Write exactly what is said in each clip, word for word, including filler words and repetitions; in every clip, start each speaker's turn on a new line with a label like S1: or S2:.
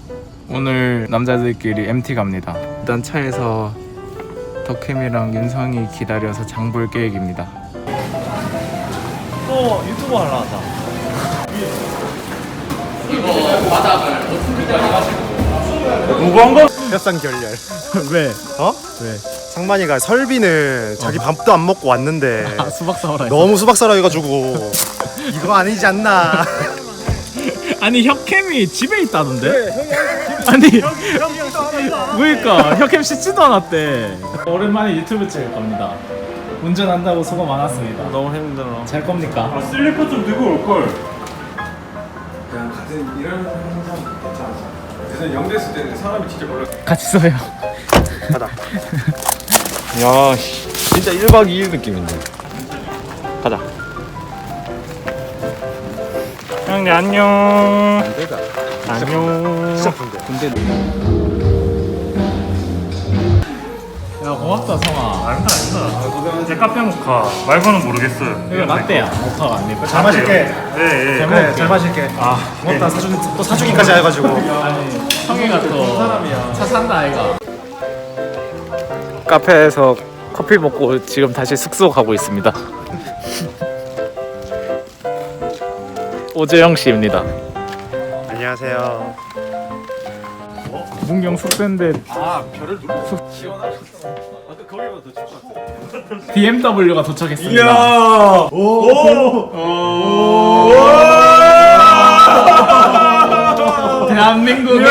S1: 오늘 남자들끼리 엠티 갑니다. 일단 차에서 덕캠이랑 윤성이 기다려서 장 볼 계획입니다.
S2: 또 유튜브 하려 하자.
S1: 이거 바닥을 어떻게 가지고
S2: 무거운 거?
S3: 협상 결렬.
S2: 왜?
S3: 어?
S2: 왜?
S3: 상만이가 설비는 자기 밥도 안 먹고 왔는데
S1: 아, 수박 사오라 했어.
S3: 너무 수박 사라 해가지고 이거 아니지 않나.
S1: 아니 혁캠이 집에 있다던데? 아니 그러니까 혁캠 씻지도 않았대. 오랜만에 유튜브 찍을 겁니다. 운전한다고 수고 많았습니다.
S2: 너무 힘들어.
S1: 잘 겁니까?
S2: 아, 슬리퍼 좀 들고 올 걸.
S4: 그냥 같은 일하는 항상 괜찮았어. 그래서 영대 있을 때는 사람이 진짜 몰랐어.
S1: 같이 써요.
S3: 가다.
S2: 야, 씨, 진짜 일박 이일 느낌인데. 가자. 형님 안녕.
S4: 내가
S2: 안녕.
S3: 진짜 군대.
S1: 근데 야 고맙다 성아.
S2: 아니다 아니다. 제 카페 모카 말고는 모르겠어요.
S1: 이거 라떼야. 모카가 아니고.
S3: 잘 마실게.
S2: 예 예.
S3: 그래, 잘 마실게.
S2: 아
S3: 고맙다. 사준 또 사주기까지 해가지고.
S1: 아니 성이가 또 차 산다 아이가. 카페에서 커피 먹고 지금 다시 숙소 가고 있습니다. 오재영 씨입니다.
S3: 안녕하세요.
S1: 문경 숙소인데
S4: 아 별을 눌러.
S1: 비엠더블유가 도착했습니다.
S2: 이야. 오. 오.
S1: 대한민국의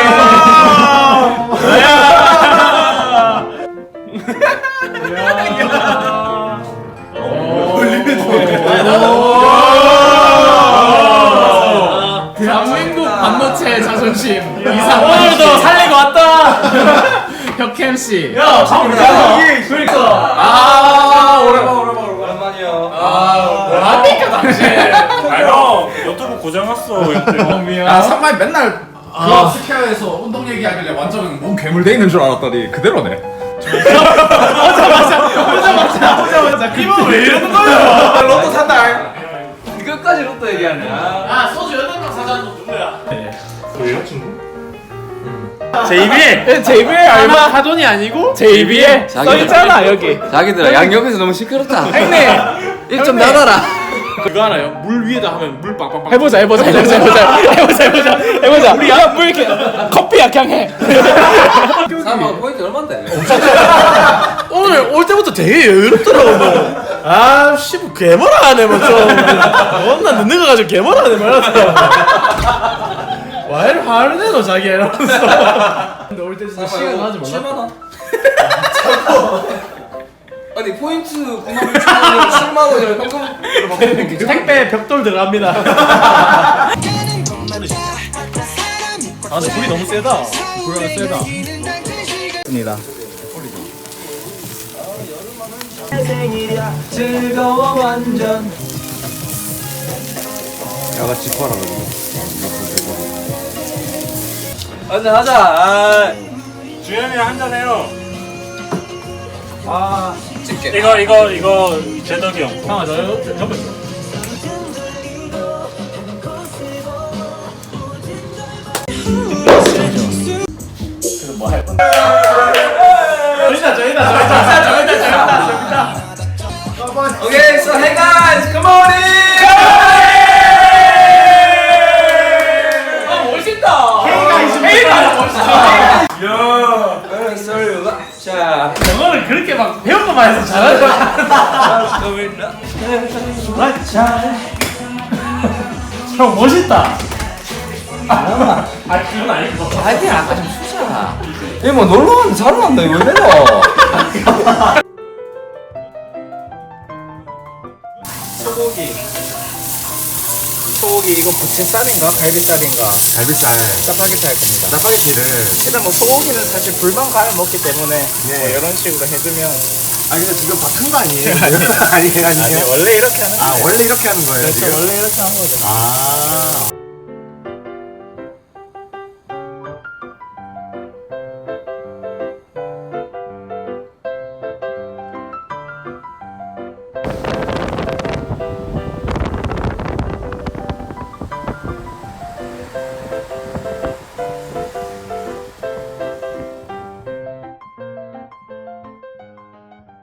S1: 대한민국 반도체의 자존심 이상 오늘도 살리고 왔다. 혁캠 씨.
S2: 야, 잠깐만. 그러니까.
S1: 아 오랜만
S4: 오랜만 오랜만이야.
S1: 아 뭐합니까 당신?
S2: 아형 유튜브 고장 났어.
S1: 아
S5: 상만이 맨날 그 스퀘어에서 운동 얘기하길래 완전 몸 괴물돼 있는 줄 알았더니 그대로네.
S1: 보자마자
S2: 이거 왜 이러는 거야?
S5: 로또 산다.
S4: 끝까지 로또 얘기하네.
S1: 아 소주 여덟 명 사자는 거 누구야?
S2: 왜요 친구? 제이비.
S1: 제이비에 얼마 하돈이 아니고 제이비에 써있잖아 여기.
S4: 자기들아 양옆에서 너무 시끄럽다.
S1: 형님
S4: 입 좀 닫아라.
S5: 그거 알아요? 물 위에다 하면 물 빵빵빵.
S1: 해보자 해보자 해보자 해보자 해보자 해보자 해보자 우리 야뭐 이렇게 커피 약향해.
S4: 사람 포인트 얼마인데?
S5: 오늘 올 때부터 되게 여유롭더라고. 아, 씨, 뭐 개머라 하네 뭐 좀. 겁나 늦는 거 가지고 개머라 하네 말았어. 와, 이리 화를 내노 자기 이러면서. 근데 올 때 진짜 시간 나지 몰라.
S4: 칠만 원. 아니 포인트 구만 오천원을 칠만 원이랑 현금으로 바꾸는 게
S5: 택배 벽돌 들어갑니다. 아, 근데 불이 너무 세다.
S1: 불이 세다. 입니다.
S4: 즐거워 완전.
S3: 야가 지퍼라 그래.
S4: 한잔 하자. 아,
S2: 주현이랑 한잔 해요.
S4: 아 찍게.
S2: 이거 이거 이거 제덕이 형.
S1: 형아 너 옆에 있어.
S5: 저기다, 저기다, 저기다, 저기다, 저기다, 저기다.
S4: 오케이, so hey guys, come on in.
S1: 아 멋있다.
S5: 헤이가 멋있다.
S4: 야, sorry. 자,
S5: 영어를 그렇게 막 배운 것만 해서 잘하잖아. 형 멋있다. 아, 그건 아니고.
S4: 아니 아까 좀 수잖아. 얘뭐 놀러 왔는데 잘 왔네. 왜 내려?
S1: 소고기. 소고기 이거 부침살인가 갈비살인가?
S3: 갈비살.
S1: 짜파게티 할 겁니다.
S3: 짜파게티를.
S1: 일단 뭐 소고기는 사실 불만 가야 먹기 때문에 뭐 이런 식으로 해주면
S3: 아 근데 지금 바꾼 거 아니에요? 아니 아니에요.
S1: 원래 이렇게 하는
S3: 아
S1: 거예요.
S3: 원래 이렇게 하는 거예요
S1: 그렇죠
S3: 지금?
S1: 원래 이렇게 하는 거죠.
S3: 아.